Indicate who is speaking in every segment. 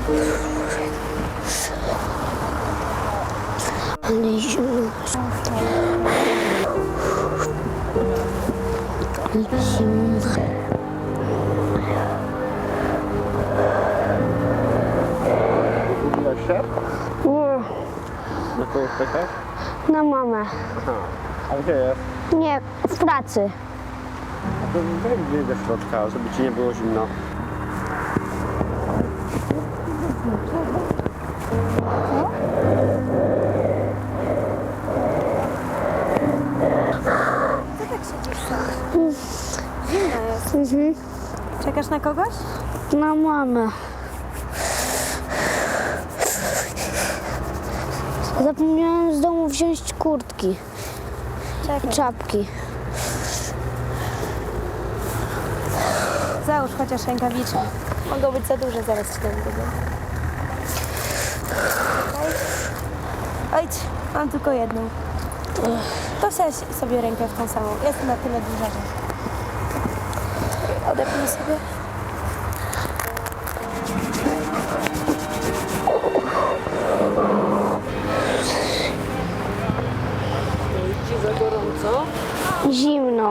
Speaker 1: Ale zimno. Ale zimno.
Speaker 2: Zgubiłaś się?
Speaker 1: Nie,
Speaker 2: Na kogo czekasz?
Speaker 1: na mamę.
Speaker 2: Aha. A gdzie jest?
Speaker 1: Nie, w pracy.
Speaker 2: A to wejdź do środka, żeby ci nie było zimno.
Speaker 3: Co tak siedzisz sam? Zimno jest. Czekasz na kogoś?
Speaker 1: Na mamę. Zapomniałem z domu wziąć kurtki,
Speaker 3: Czekaj.
Speaker 1: czapki.
Speaker 3: Załóż chociaż rękawiczki. Mogą być za duże, zaraz ci tam będę. Ojcz, mam tylko jedną. To wsadź sobie rękę w tą samą. Jest na tyle duża, że... Odepnij sobie.
Speaker 4: Ci za gorąco?
Speaker 1: Zimno.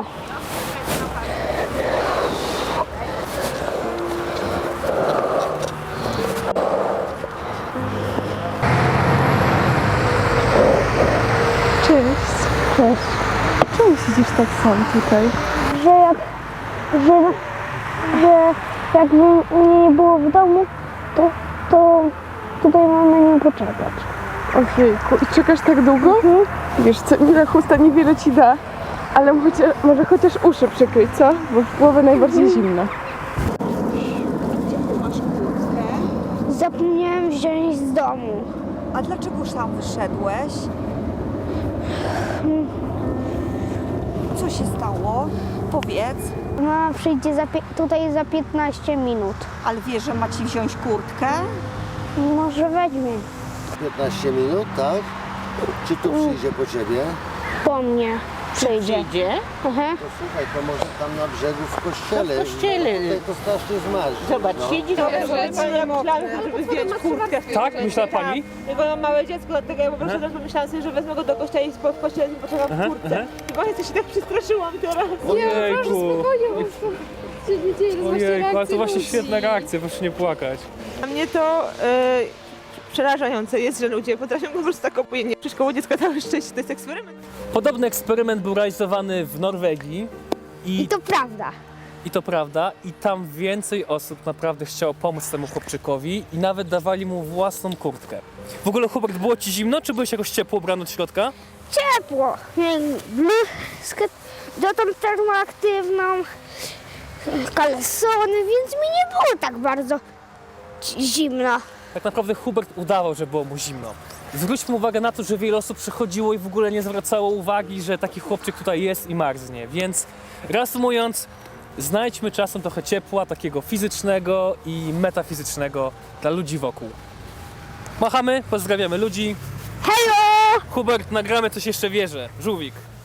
Speaker 4: Cześć.
Speaker 1: Cześć.
Speaker 4: Czemu siedzisz tak sam tutaj?
Speaker 1: Że jakby mnie nie było w domu, to tutaj mam na nim poczekać.
Speaker 4: Ojejku, i czekasz tak długo? Wiesz co, Mila chusta niewiele ci da, ale może chociaż uszy przykryć, co? Bo w głowę najbardziej zimno.
Speaker 1: Zapomniałem wziąć z domu.
Speaker 5: A dlaczego sam wyszedłeś? Co się stało? Powiedz.
Speaker 1: Mama przyjdzie tutaj za 15 minut.
Speaker 5: Ale wiesz, że ma ci wziąć kurtkę?
Speaker 1: Może weźmie
Speaker 6: 15 minut, tak? Czy tu przyjdzie po ciebie?
Speaker 1: po mnie. Przyjdzie. Aha.
Speaker 6: To słuchaj, to może tam na brzegu w kościele.
Speaker 7: No w kościele.
Speaker 6: No, tutaj to strasznie zmarzy.
Speaker 7: Zobacz, siedzi
Speaker 8: Ja myślałam, żeby zdjąć kurtkę.
Speaker 9: Tak? Myślała pani?
Speaker 8: Bo mam małe dziecko, dlatego ja po prostu też pomyślałam sobie, że wezmę go do kościoła i w kościele poczekam w kurtce. I właśnie się tak przestraszyłam teraz.
Speaker 9: Ojejku. Ojejku, ale to właśnie świetna reakcja, proszę nie płakać.
Speaker 8: Dla mnie to przerażające jest, że ludzie potrafią po prostu tak obojętnie przy szkołę dziecka całe szczęście. To jest eksperyment.
Speaker 9: Podobny eksperyment był realizowany w Norwegii
Speaker 1: I to prawda.
Speaker 9: i to prawda, i tam więcej osób naprawdę chciało pomóc temu chłopczykowi i nawet dawali mu własną kurtkę. W ogóle, Hubert, było ci zimno, czy byłeś jakoś ciepło ubrany od środka?
Speaker 1: Ciepło. Miałem bluzkę dotąd termoaktywną, kalesony, więc mi nie było tak bardzo zimno.
Speaker 9: Tak naprawdę Hubert udawał, że było mu zimno. Zwróćmy uwagę na to, że wiele osób przychodziło i w ogóle nie zwracało uwagi, że taki chłopczyk tutaj jest i marznie. Więc reasumując, znajdźmy czasem trochę ciepła, takiego fizycznego i metafizycznego dla ludzi wokół. Machamy, pozdrawiamy ludzi.
Speaker 1: Hello!
Speaker 9: Hubert, nagramy coś jeszcze wierzę. Żółwik.